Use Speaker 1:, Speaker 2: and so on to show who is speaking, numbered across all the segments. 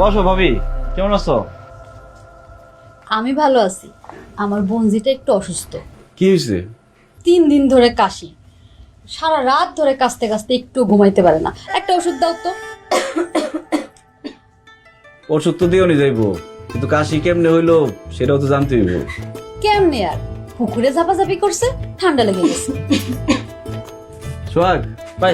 Speaker 1: বসো ভাবি, কেমন আছো?
Speaker 2: আমি ভালো আছি। আমার বোনজিটা একটু অসুস্থ।
Speaker 1: কি হয়েছে?
Speaker 2: 3 দিন ধরে কাশি, সারা রাত ধরে কাশতে কাশতে একটু ঘুমাইতে পারে না। একটা ওষুধ দাও তো।
Speaker 1: ওষুধ তো দিও নি যাইবো, কিন্তু কাশি কেমনে হইলো সেটাও তো জানতে হইব।
Speaker 2: কেমনে আর, পুকুরে ঝাপাঝাপি করছে, ঠান্ডা লেগে গেছে।
Speaker 1: সোহাগ ভাই,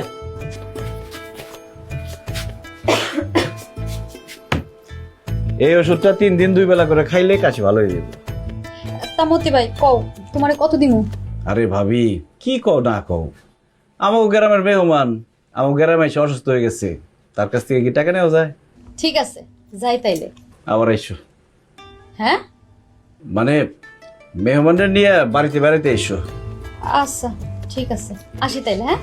Speaker 1: এই ওষুধটা 3 দিন 2 বেলা করে খাইলে কাশি ভালো হয়ে যাবে।
Speaker 2: তা মতি ভাই কও, তোমারে কত দিমু?
Speaker 1: আরে ভাবি, কি কও না কও, আমার গ্রামের মেহমান, আমার গ্রামে এসে অসুস্থ হয়ে গেছে, তার কাছ থেকে কি টাকা নেওয়া যায়?
Speaker 2: ঠিক আছে, যাই তাইলে।
Speaker 1: আবার আইসো,
Speaker 2: হ্যাঁ
Speaker 1: মানে মেহমানদের নিয়ে বাড়িতে বেড়াইতে এসো।
Speaker 2: আচ্ছা ঠিক আছে, আসি তাইলে। হ্যাঁ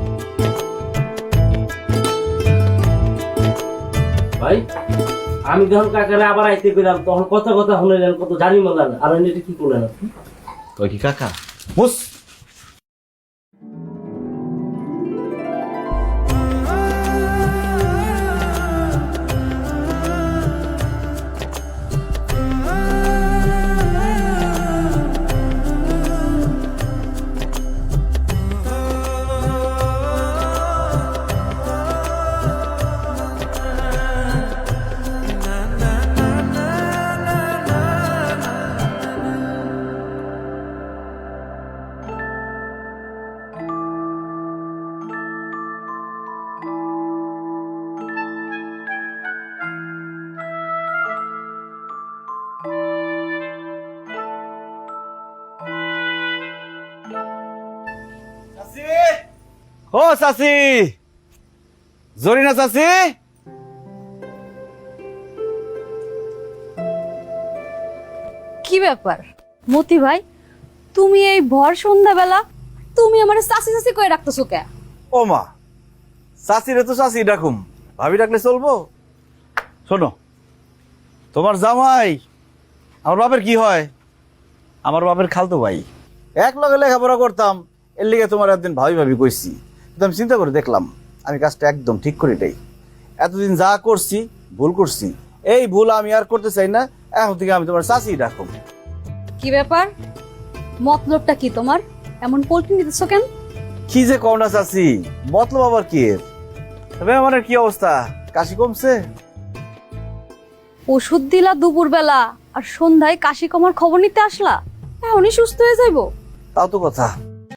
Speaker 3: ভাই, আমি যখন কাকারে আবার আইতে গেলাম তখন কথা কথা শুনলেন, কত জানি মজার। আর এটা কি করলেন আপনি?
Speaker 1: তো কি কাকা বুঝ ও চাচি, জরিনা চাচি,
Speaker 2: কি ব্যাপার মতি ভাই, তুমি এই ভর সন্ধ্যাবেলা তুমি আমার চাচি চাচি করে রাখতেছো কে?
Speaker 1: ও মা, চাচিরে তো চাচি ডাকুম, ভাবি ডাকলে চলবো? শোনো, তোমার জামাই আমার বাপের কি হয়? আমার বাপের খালতো ভাই, এক লগে লেখাপড়া করতাম, এর লিগে তোমার একদিন ভাবি ভাবি কইছি, কিন্তু আমি চিন্তা করে দেখলাম আমি কাজটা একদম ঠিক করি নাই। এতদিন যা করছি ভুল করছি, এই ভুল আমি আর করতে চাই না। এখন থেকে আমি তোমার চাচি ডাকুম।
Speaker 2: কি ব্যাপার, মতলবটা কি তোমার? এমন পোল্ট্রি নিতেছো কেন?
Speaker 1: কি যে কও না চাচি, মতলব আবার কি এর? তবে আমার কি অবস্থা, কাশি কমছে?
Speaker 2: ওষুধ দিলা দুপুরবেলা, আর সন্ধ্যায় কাশি কমার খবর নিতে আসলা, এখনই সুস্থ হয়ে যাইবো?
Speaker 1: তাও তো কথা।